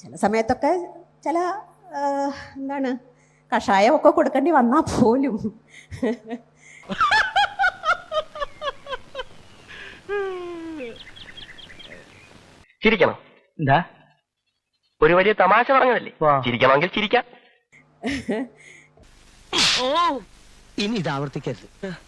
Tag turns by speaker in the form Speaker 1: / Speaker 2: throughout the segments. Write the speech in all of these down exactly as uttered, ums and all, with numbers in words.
Speaker 1: ചില സമയത്തൊക്കെ ചില എന്താണ് കഷായമൊക്കെ കൊടുക്കേണ്ടി വന്നാൽ പോലും
Speaker 2: ചിരിക്കണം. എന്താ ഒരു വലിയ തമാശ പറഞ്ഞതല്ലേ, ചിരിക്കണമെങ്കിൽ ചിരിക്കാം.
Speaker 3: ഓ ഇനി ഇത് ആവർത്തിക്കരുത്.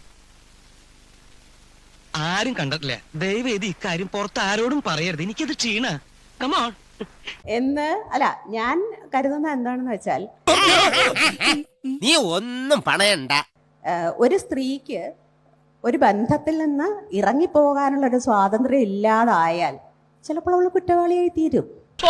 Speaker 3: ആരും കണ്ടിട്ടില്ല. ദയവേദി ഇക്കാര്യം പുറത്ത് ആരോടും പറയരുത്. എനിക്കത് ക്ഷീണ. കമോൺ
Speaker 1: എന്ന് അല്ല, ഞാൻ കരുതുന്നത് എന്താണെന്ന് വെച്ചാൽ,
Speaker 4: നീ ഒന്നും പണയണ്ട.
Speaker 1: ഒരു സ്ത്രീക്ക് ഒരു ബന്ധത്തിൽ നിന്ന് ഇറങ്ങിപ്പോകാനുള്ള ഒരു സ്വാതന്ത്ര്യം ഇല്ലാതായാൽ ചിലപ്പോൾ അവൾ കുറ്റവാളിയായി തീരും.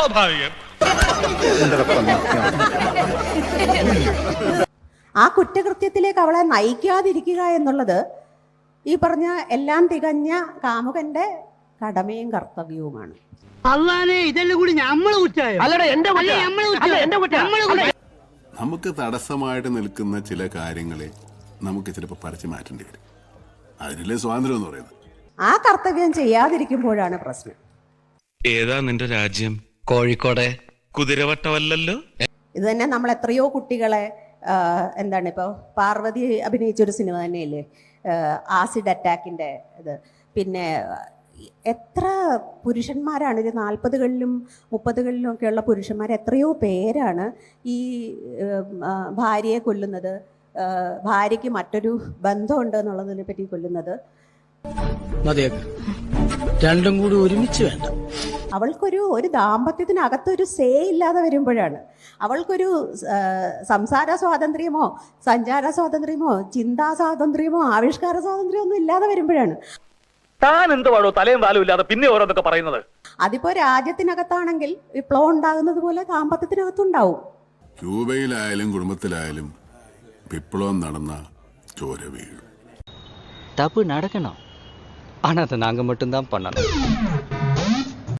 Speaker 1: ആ കുറ്റകൃത്യത്തിലേക്ക് അവളെ നയിക്കാതിരിക്കുക എന്നുള്ളത് ഈ പറഞ്ഞ എല്ലാം തികഞ്ഞ കാമുകന്റെ കടമയും കർത്തവ്യവുമാണ്.
Speaker 5: നമുക്ക് തടസ്സമായിട്ട് നിൽക്കുന്ന ചില കാര്യങ്ങളെ നമുക്ക് ചിലപ്പോൾ പറിച്ചു മാറ്റേണ്ടി വരും. അതിനല്ലേ സ്വാതന്ത്ര്യം എന്ന് പറയുന്നത്.
Speaker 1: ആ കർത്തവ്യം ചെയ്യാതിരിക്കുമ്പോഴാണ് പ്രശ്നം.
Speaker 6: ഏതാ നിന്റെ രാജ്യം?
Speaker 3: കോഴിക്കോടെ
Speaker 6: കുതിരവട്ടമല്ലല്ലോ.
Speaker 1: ഇത് തന്നെ നമ്മൾ എത്രയോ കുട്ടികളെ എന്താണ് ഇപ്പോൾ പാർവതി അഭിനയിച്ചൊരു സിനിമ തന്നെയല്ലേ ആസിഡ് അറ്റാക്കിൻ്റെ ഇത്. പിന്നെ എത്ര പുരുഷന്മാരാണ് ഒരു നാൽപ്പതുകളിലും മുപ്പതുകളിലും ഒക്കെയുള്ള പുരുഷന്മാർ എത്രയോ പേരാണ് ഈ ഭാര്യയെ കൊല്ലുന്നത്, ഭാര്യയ്ക്ക് മറ്റൊരു ബന്ധമുണ്ട് എന്നുള്ളതിനെ പറ്റി കൊല്ലുന്നത്.
Speaker 3: രണ്ടും കൂടി ഒരുമിച്ച് വേണ്ട.
Speaker 1: അവൾക്കൊരു ഒരു ദാമ്പത്യത്തിനകത്തൊരു സേ ഇല്ലാതെ വരുമ്പോഴാണ്, അവൾക്കൊരു സംസാര സ്വാതന്ത്ര്യമോ സഞ്ചാര സ്വാതന്ത്ര്യമോ ചിന്താ സ്വാതന്ത്ര്യമോ ആവിഷ്കാര സ്വാതന്ത്ര്യമോ ഒന്നും ഇല്ലാതെ വരുമ്പോഴാണ്.
Speaker 2: താൻ എന്തുവാണോ തലയും താലും ഇല്ലാതെ പിന്നെ ഓരോന്നൊക്കെ പറയുന്നത്?
Speaker 1: അതിപ്പോ രാജ്യത്തിനകത്താണെങ്കിൽ വിപ്ലവം ഉണ്ടാകുന്നത് പോലെ ദാമ്പത്യത്തിനകത്തുണ്ടാവും.
Speaker 5: ക്യൂബയിലായാലും കുടുംബത്തിലായാലും വിപ്ലവം നടന്ന ചോര വീഴും.
Speaker 3: தப்பு நடக்கணும், ஆனா அதை நாங்க மட்டும்தான் பண்ணணும்.